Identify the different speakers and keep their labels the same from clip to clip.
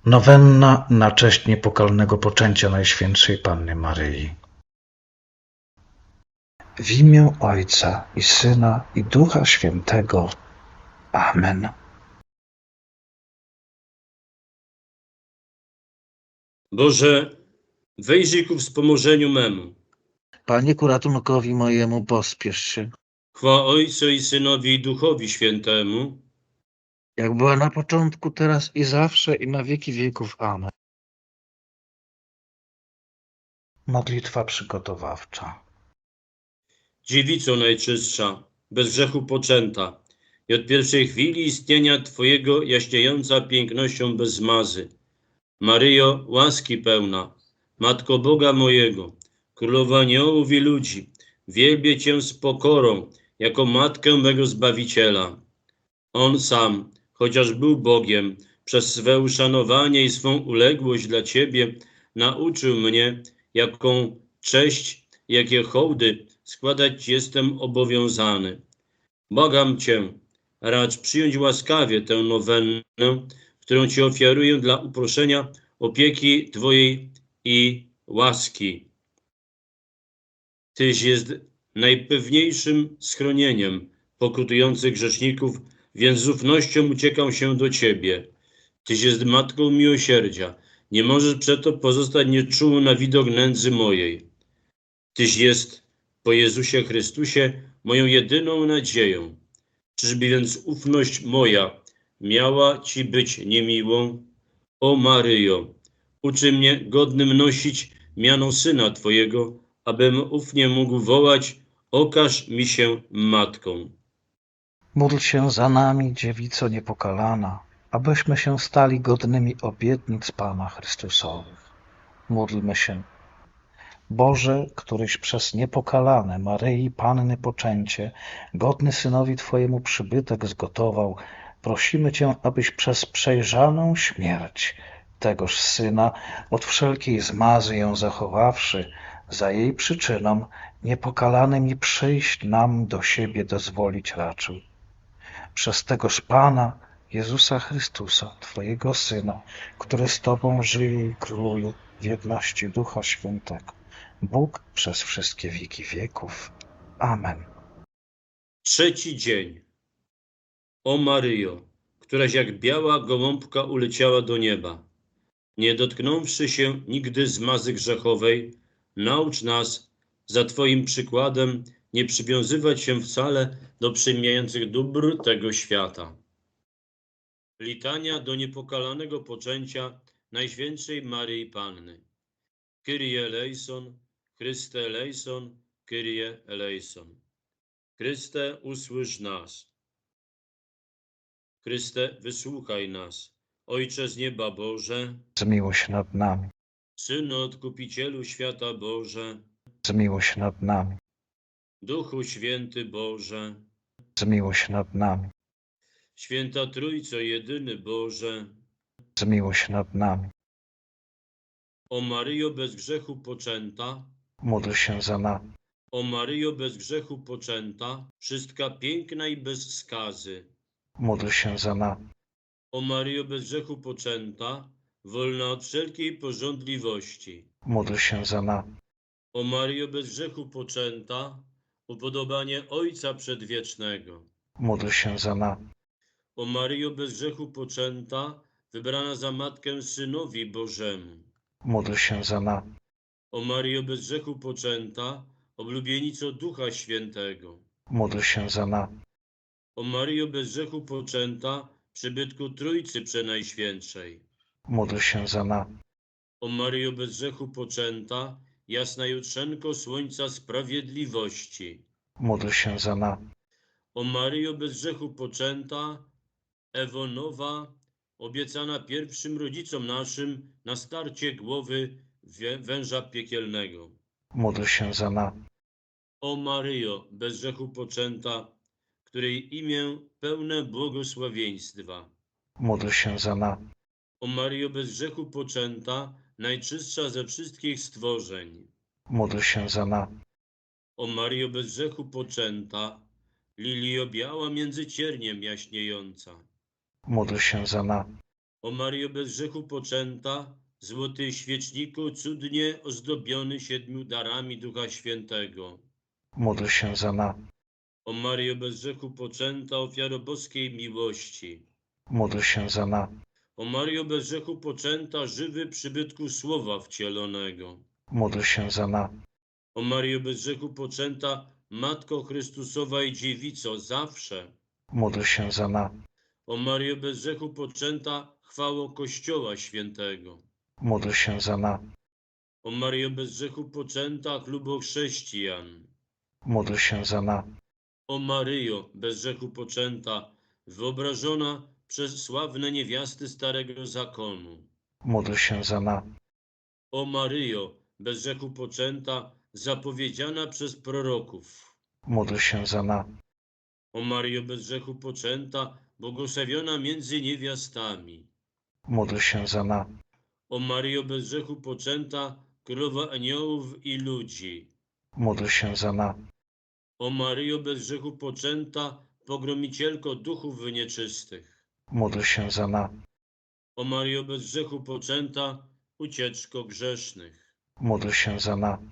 Speaker 1: Nowenna na cześć niepokalnego poczęcia Najświętszej Panny Maryi. W imię Ojca i Syna i Ducha Świętego. Amen.
Speaker 2: Boże, wejrzyj ku wspomożeniu memu.
Speaker 1: Panie ku ratunkowi mojemu, pospiesz się.
Speaker 2: Chwała Ojcu i Synowi i Duchowi Świętemu,
Speaker 1: Jak była na początku, teraz i zawsze, i na wieki wieków. Amen. Modlitwa przygotowawcza.
Speaker 2: Dziewico Najczystsza, bez grzechu poczęta i od pierwszej chwili istnienia Twojego jaśniejąca pięknością bez zmazy. Maryjo, łaski pełna, Matko Boga mojego, Królowa aniołów i ludzi, wielbię Cię z pokorą, jako Matkę mego Zbawiciela. On sam, chociaż był Bogiem, przez swe uszanowanie i swą uległość dla Ciebie nauczył mnie, jaką cześć, jakie hołdy składać jestem obowiązany. Błagam Cię, racz przyjąć łaskawie tę nowennę, którą Ci ofiaruję dla uproszenia opieki Twojej i łaski. Tyś jest najpewniejszym schronieniem pokutujących grzeszników, więc z ufnością uciekam się do Ciebie. Tyś jest Matką miłosierdzia, nie możesz przeto pozostać nieczuły na widok nędzy mojej. Tyś jest po Jezusie Chrystusie moją jedyną nadzieją. Czyżby więc ufność moja miała Ci być niemiłą? O Maryjo, uczy mnie godnym nosić miano Syna Twojego, abym ufnie mógł wołać: okaż mi się Matką.
Speaker 1: Módl się za nami, Dziewico niepokalana, abyśmy się stali godnymi obietnic Pana Chrystusowych. Módlmy się. Boże, któryś przez niepokalane Maryi Panny poczęcie godny Synowi Twojemu przybytek zgotował, prosimy Cię, abyś przez przejrzaną śmierć tegoż Syna od wszelkiej zmazy ją zachowawszy, za jej przyczyną niepokalanym i przyjść nam do siebie dozwolić raczył. Przez tegoż Pana, Jezusa Chrystusa, Twojego Syna, który z Tobą żyje i króluje w jedności Ducha Świętego, Bóg przez wszystkie wieki wieków. Amen.
Speaker 2: Trzeci dzień. O Maryjo, któraś jak biała gołąbka uleciała do nieba, nie dotknąwszy się nigdy zmazy grzechowej, naucz nas za Twoim przykładem nie przywiązywać się wcale do przemijających dóbr tego świata. Litania do niepokalanego poczęcia Najświętszej Maryi Panny. Kyrie eleison, Chryste eleison, Kyrie eleison. Chryste, usłysz nas. Chryste, wysłuchaj nas. Ojcze z nieba Boże,
Speaker 1: Zmiłuj się nad nami,
Speaker 2: Synu Odkupicielu świata Boże,
Speaker 1: zmiłuj się nad nami,
Speaker 2: Duchu Święty Boże,
Speaker 1: zmiłuj się nad nami,
Speaker 2: Święta Trójco jedyny Boże,
Speaker 1: zmiłuj się nad nami.
Speaker 2: o Maryjo bez grzechu poczęta,
Speaker 1: Módl się za nami,
Speaker 2: o Maryjo bez grzechu poczęta, wszystka piękna i bez skazy.
Speaker 1: módl się za nami,
Speaker 2: O Maryjo bez grzechu poczęta, wolna od wszelkiej pożądliwości.
Speaker 1: módl się za nami,
Speaker 2: O Maryjo bez grzechu poczęta, upodobanie Ojca Przedwiecznego.
Speaker 1: módl się za nami,
Speaker 2: O Maryjo bez grzechu poczęta, wybrana za Matkę Synowi Bożemu.
Speaker 1: módl się za nami,
Speaker 2: O Maryjo bez grzechu poczęta, oblubienico Ducha Świętego.
Speaker 1: módl się za nami,
Speaker 2: O Maryjo bez grzechu poczęta, przybytku Trójcy Przenajświętszej.
Speaker 1: módl się za nami,
Speaker 2: O Maryjo bez grzechu poczęta, jasna jutrzenko Słońca Sprawiedliwości.
Speaker 1: módl się za nami,
Speaker 2: O Maryjo bez grzechu poczęta, Ewo nowa, obiecana pierwszym rodzicom naszym na starcie głowy węża piekielnego.
Speaker 1: módl się za nami,
Speaker 2: O Maryjo, bez grzechu poczęta, której imię pełne błogosławieństwa.
Speaker 1: módl się za nami,
Speaker 2: O Maryjo, bez grzechu poczęta, najczystsza ze wszystkich stworzeń.
Speaker 1: módl się za nami,
Speaker 2: O Maryjo, bez grzechu poczęta, lilio biała między cierniem jaśniejąca.
Speaker 1: módl się za nami,
Speaker 2: O Maryjo bez grzechu poczęta, złoty świeczniku, cudnie ozdobiony 7 darami Ducha Świętego.
Speaker 1: Módl się za nami.
Speaker 2: O Maryjo bez grzechu poczęta, ofiaro boskiej miłości.
Speaker 1: Módl się za nami.
Speaker 2: O Maryjo bez grzechu poczęta, żywy przybytku Słowa wcielonego.
Speaker 1: Módl się za nami.
Speaker 2: O Maryjo bez grzechu poczęta, Matko Chrystusowa i Dziewico, zawsze.
Speaker 1: Módl się za nami.
Speaker 2: O Maryjo bez grzechu poczęta, chwało Kościoła Świętego.
Speaker 1: Módl się za nami.
Speaker 2: O Maryjo bez grzechu poczęta, chlubo chrześcijan.
Speaker 1: Módl się za nami.
Speaker 2: O Maryjo bez grzechu poczęta, wyobrażona przez sławne niewiasty Starego Zakonu.
Speaker 1: Módl się za nami.
Speaker 2: O Maryjo bez grzechu poczęta, zapowiedziana przez proroków.
Speaker 1: Módl się za nami.
Speaker 2: O Maryjo bez grzechu poczęta, błogosławiona między niewiastami.
Speaker 1: Módl się za nami.
Speaker 2: O Maryjo bez grzechu poczęta, królowa aniołów i ludzi.
Speaker 1: Módl się za nami.
Speaker 2: O Maryjo bez grzechu poczęta, pogromicielko duchów nieczystych.
Speaker 1: Módl się za nami.
Speaker 2: O Maryjo bez grzechu poczęta, ucieczko grzesznych.
Speaker 1: Módl się za nami.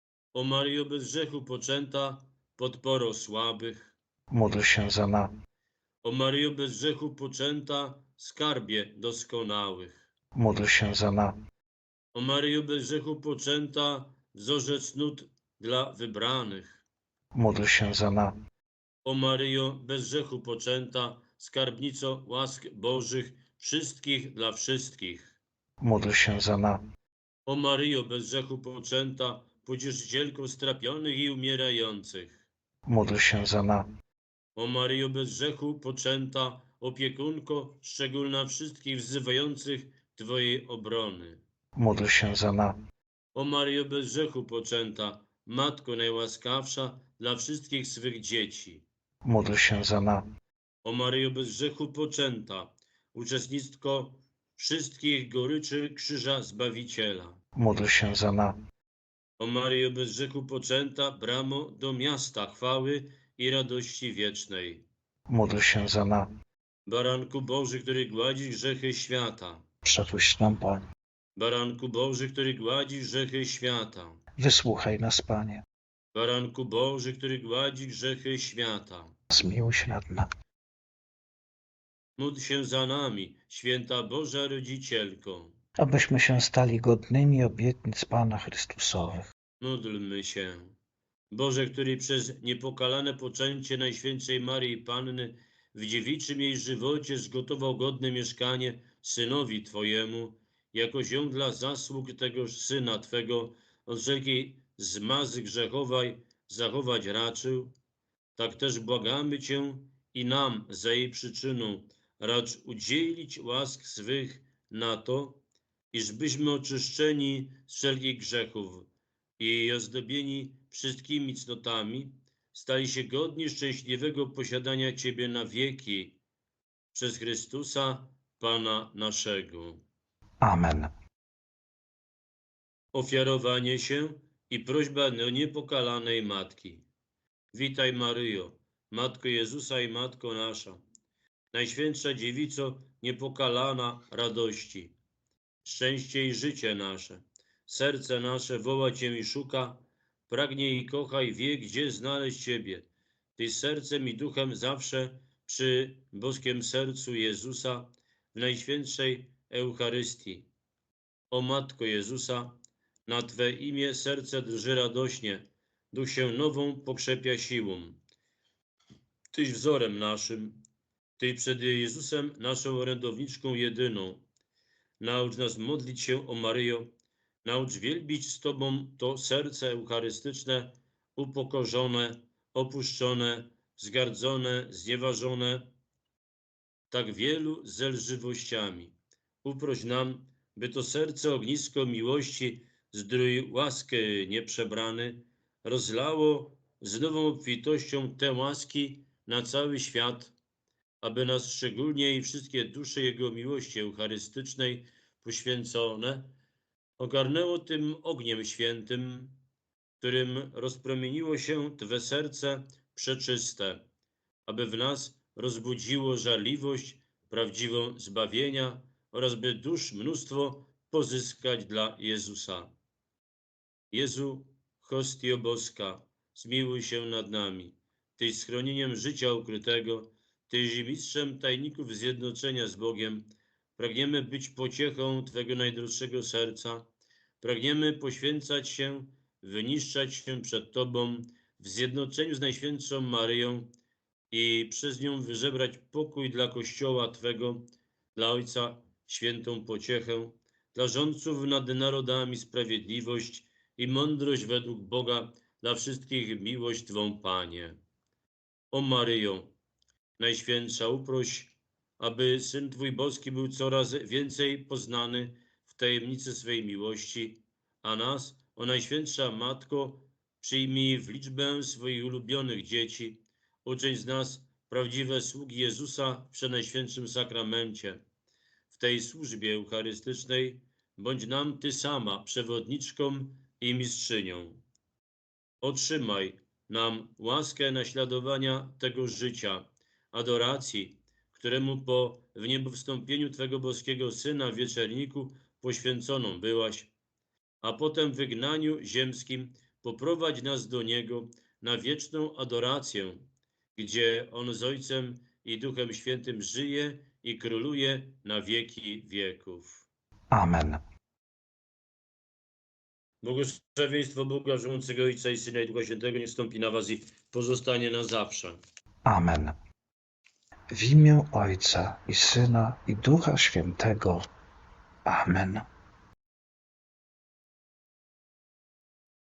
Speaker 2: O Maryjo bez grzechu poczęta, podporo słabych.
Speaker 1: Módl się za nami.
Speaker 2: O Maryjo bez grzechu poczęta, skarbie doskonałych.
Speaker 1: Módl się za nami.
Speaker 2: O Maryjo bez grzechu poczęta, wzorzec nut dla wybranych.
Speaker 1: Módl się za nami.
Speaker 2: O Maryjo bez grzechu poczęta, skarbnico łask Bożych, wszystkich dla wszystkich.
Speaker 1: Módl się za nami.
Speaker 2: O Maryjo bez grzechu poczęta, pocieszycielko strapionych i umierających.
Speaker 1: Módl się za nami.
Speaker 2: O Maryjo bez grzechu poczęta, opiekunko szczególna wszystkich wzywających Twojej obrony.
Speaker 1: Módl się za nami.
Speaker 2: O Maryjo bez grzechu poczęta, Matko najłaskawsza dla wszystkich swych dzieci.
Speaker 1: Módl się za nami.
Speaker 2: O Maryjo bez grzechu poczęta, uczestnictwo wszystkich goryczy krzyża Zbawiciela.
Speaker 1: Módl się za nami.
Speaker 2: O Maryjo bez grzechu poczęta, bramo do miasta chwały i radości wiecznej.
Speaker 1: Módl się za nami.
Speaker 2: Baranku Boży, który gładzi grzechy świata.
Speaker 1: Przepuść nam, Panie.
Speaker 2: Baranku Boży, który gładzi grzechy świata.
Speaker 1: Wysłuchaj nas, Panie.
Speaker 2: Baranku Boży, który gładzi grzechy świata.
Speaker 1: Zmiłuj się nad nami.
Speaker 2: Módl się za nami, święta Boża Rodzicielko.
Speaker 1: Abyśmy się stali godnymi obietnic Pana Chrystusowych.
Speaker 2: Módlmy się. Boże, który przez niepokalane poczęcie Najświętszej Maryi Panny w dziewiczym jej żywocie zgotował godne mieszkanie Synowi Twojemu, jako zią dla zasług tegoż Syna Twego od wszelkiej zmazy grzechowej zachować raczył, tak też błagamy Cię i nam za jej przyczyną racz udzielić łask swych na to, iżbyśmy oczyszczeni z wszelkich grzechów i ozdobieni wszystkimi cnotami, stali się godni szczęśliwego posiadania Ciebie na wieki przez Chrystusa, Pana naszego.
Speaker 1: Amen.
Speaker 2: Ofiarowanie się i prośba do niepokalanej Matki. Witaj Maryjo, Matko Jezusa i Matko nasza, Najświętsza Dziewico niepokalana radości, szczęście i życie nasze. Serce nasze woła Cię i szuka, pragnie i kocha i wie, gdzie znaleźć Ciebie. Ty sercem i duchem zawsze przy boskim sercu Jezusa w Najświętszej Eucharystii. O Matko Jezusa, na Twe imię serce drży radośnie, duch się nową pokrzepia siłą. Tyś wzorem naszym, Ty przed Jezusem naszą orędowniczką jedyną. Naucz nas modlić się, o Maryjo, naucz wielbić z Tobą to serce eucharystyczne, upokorzone, opuszczone, wzgardzone, znieważone, tak wielu zelżywościami. Uproś nam, by to serce ognisko miłości, zdrój łaskę nieprzebrany, rozlało z nową obfitością te łaski na cały świat, aby nas szczególnie i wszystkie dusze Jego miłości eucharystycznej poświęcone ogarnęło tym ogniem świętym, którym rozpromieniło się Twe serce przeczyste, aby w nas rozbudziło żarliwość prawdziwą zbawienia, oraz by dusz mnóstwo pozyskać dla Jezusa. Jezu, hostio boska, zmiłuj się nad nami. Tyś schronieniem życia ukrytego, Tyś mistrzem tajników zjednoczenia z Bogiem. Pragniemy być pociechą Twego najdroższego serca. Pragniemy poświęcać się, wyniszczać się przed Tobą w zjednoczeniu z Najświętszą Maryją i przez nią wyżebrać pokój dla Kościoła Twego, dla Ojca świętą pociechę, dla rządców nad narodami sprawiedliwość i mądrość według Boga, dla wszystkich miłość Twą, Panie. O Maryjo, Najświętsza, uproś, aby Syn Twój boski był coraz więcej poznany w tajemnicy swej miłości, a nas, o Najświętsza Matko, przyjmij w liczbę swoich ulubionych dzieci, uczyń z nas prawdziwe sługi Jezusa w Przenajświętszym Sakramencie. W tej służbie eucharystycznej bądź nam Ty sama przewodniczką i mistrzynią. Otrzymaj nam łaskę naśladowania tego życia, adoracji, któremu po wniebowstąpieniu Twego boskiego Syna w wieczerniku poświęconą byłaś, a potem w wygnaniu ziemskim poprowadź nas do Niego na wieczną adorację, gdzie On z Ojcem i Duchem Świętym żyje i króluje na wieki wieków.
Speaker 1: Amen.
Speaker 2: Błogosławieństwo Boga, żyjącego Ojca i Syna i Ducha Świętego, niech stąpi na was i pozostanie na zawsze.
Speaker 1: Amen. W imię Ojca i Syna i Ducha Świętego. Amen.